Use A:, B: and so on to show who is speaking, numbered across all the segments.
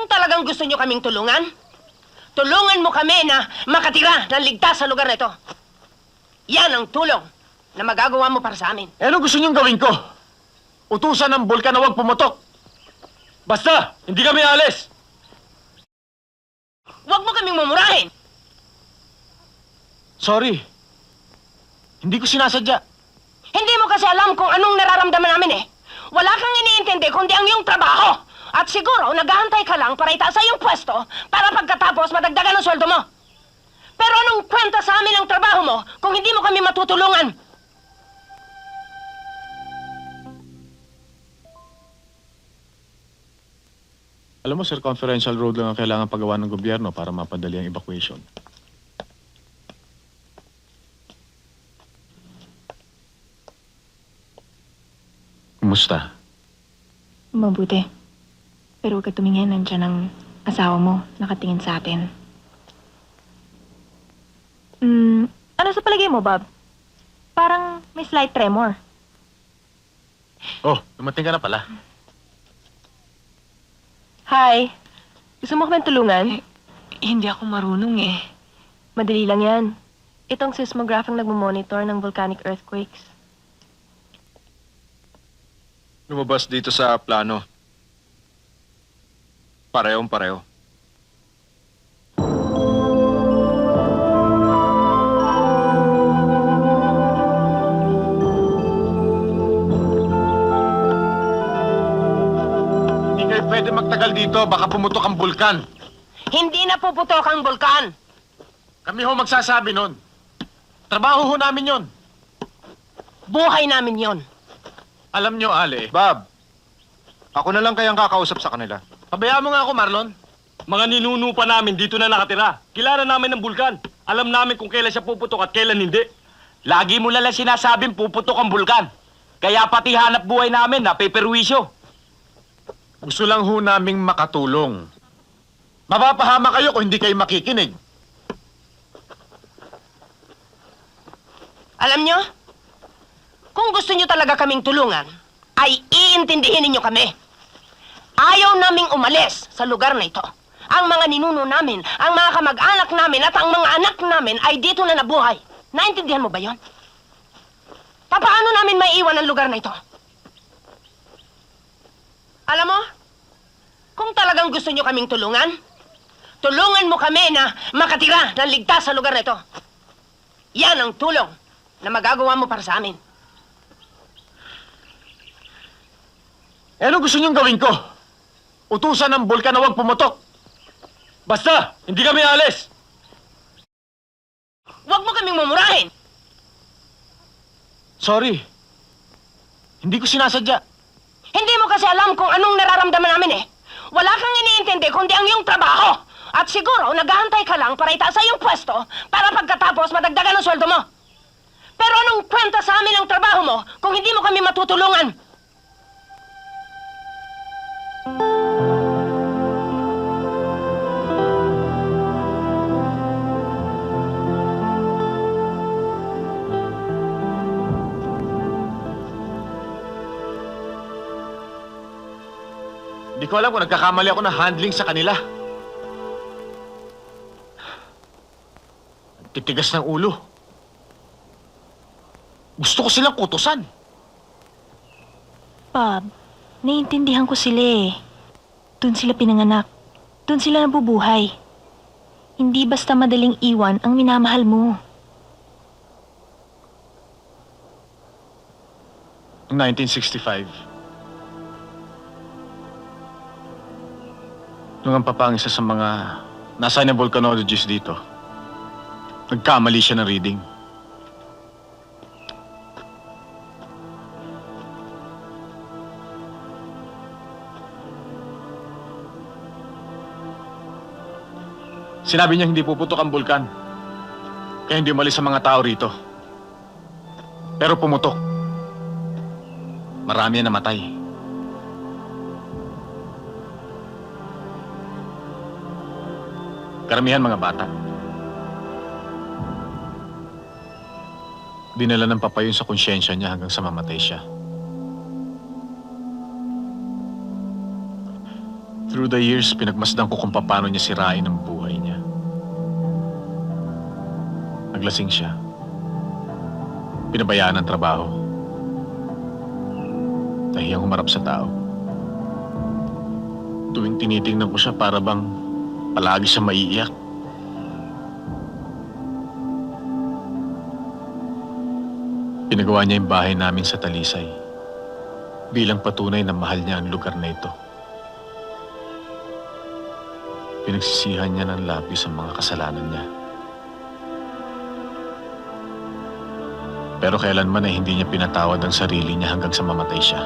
A: Kung talagang gusto nyo kaming tulungan, tulungan mo kami na makatira ng ligtas sa lugar na ito. Yan ang tulong na magagawa mo para sa amin.
B: Eh, ano gusto niyong gawin ko? Utusan ng bulkan na huwag pumutok. Basta, hindi kami alis.
A: Huwag mo kaming mumurahin.
B: Sorry. Hindi ko sinasadya.
A: Hindi mo kasi alam kung anong nararamdaman namin eh. Wala kang iniintindi kundi ang iyong trabaho. At siguro, naghahantay ka lang para itaas sa iyong pwesto para pagkatapos madagdagan ang sweldo mo. Pero anong kwenta sa amin ang trabaho mo kung hindi mo kami matutulungan?
B: Alam mo, circumferential road lang ang kailangan pagawa ng gobyerno para mapadali ang evacuation. Kumusta?
C: Mabuti. Pero huwag ka tumingin, nandiyan ang asawa mo, nakatingin sa atin. Ano sa palagay mo, Bob? Parang may slight tremor.
B: Oh, dumating ka na pala.
C: Hi. Gusto mo kami tulungan?
D: Hindi ako marunong eh.
C: Madali lang yan. Itong seismograph ang nagmamonitor ng volcanic earthquakes.
E: Lumabas dito sa plano. Parehong pareho.
B: Hindi kayo pwede magtagal dito, baka pumutok ang bulkan.
A: Hindi na puputok ang bulkan.
B: Kami ho magsasabi nun. Trabaho ho namin yon.
A: Buhay namin yon.
B: Alam nyo, Ale,
E: Bob, ako na lang kayang kakausap sa kanila.
B: pabayaan mo nga ako, Marlon.
F: Mga ninuno pa namin dito na nakatira. Kilala namin ng bulkan. Alam namin kung kailan siya puputok at kailan hindi. Lagi mo lang sinasabing puputok ang bulkan. Kaya pati hanap buhay namin napeperwisyo.
B: Gusto lang ho naming makatulong. Mapapahama kayo kung hindi kayo makikinig.
A: Alam nyo, kung gusto nyo talaga kaming tulungan, ay iintindihin ninyo kami. Ayaw naming umalis sa lugar na ito. Ang mga ninuno namin, ang mga kamag-anak namin at ang mga anak namin ay dito na nabuhay. Naintindihan mo ba yon? Paano namin maiiwan ang lugar na ito? Alam mo, kung talagang gusto nyo kaming tulungan, tulungan mo kami na makatira ng ligtas sa lugar na ito. Yan ang tulong na magagawa mo para sa amin.
B: Eh, ano gusto niyong gawin ko? Utusan ng bulkan na huwag pumutok.
F: Basta, hindi kami alis.
A: Huwag mo kaming mumurahin.
B: Sorry. Hindi ko sinasadya.
A: Hindi mo kasi alam kung anong nararamdaman namin eh. Wala kang iniintindi kundi ang iyong trabaho. At siguro, naghahantay ka lang para itaas sa iyong pwesto para pagkatapos madagdagan ang sweldo mo. Pero anong kwenta sa amin ang trabaho mo kung hindi mo kami matutulungan?
B: Hindi ko alam kung nagkakamali ako ng handling sa kanila. Ang titigas ng ulo. Gusto ko silang kutusan.
C: Bob, naiintindihan ko sila eh. Doon sila pinanganak. Doon sila nabubuhay. Hindi basta madaling iwan ang minamahal mo.
B: Noong 1965, nung ang papa ang isa sa mga nasa na volcanologist dito, nagkamali siya ng reading. Sinabi niya hindi puputok ang bulkan, kaya hindi umalis sa mga tao rito. Pero pumutok. Marami na namatay. Karamihan mga bata. Dinala ng papa yun sa konsyensya niya hanggang sa mamatay siya. Through the years, pinagmasdan ko kung paano niya sirain ang buhay niya. Naglasing siya. Pinabayaan ang trabaho. Nahiyang humarap sa tao. Tuwing tinitingnan ko siya, para bang palagi siya maiiyak. Pinagawa niya yung bahay namin sa Talisay bilang patunay na mahal niya ang lugar na ito. Pinagsisihan niya ng labis ang mga kasalanan niya. Pero kailanman ay hindi niya pinatawad ang sarili niya hanggang sa mamatay siya.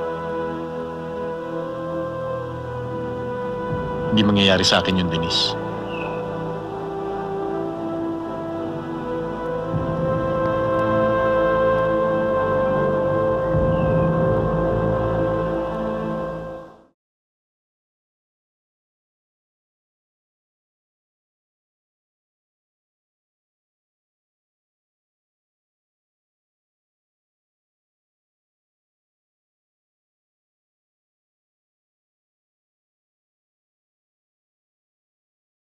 B: Hindi mangyayari sa akin yun, Denise.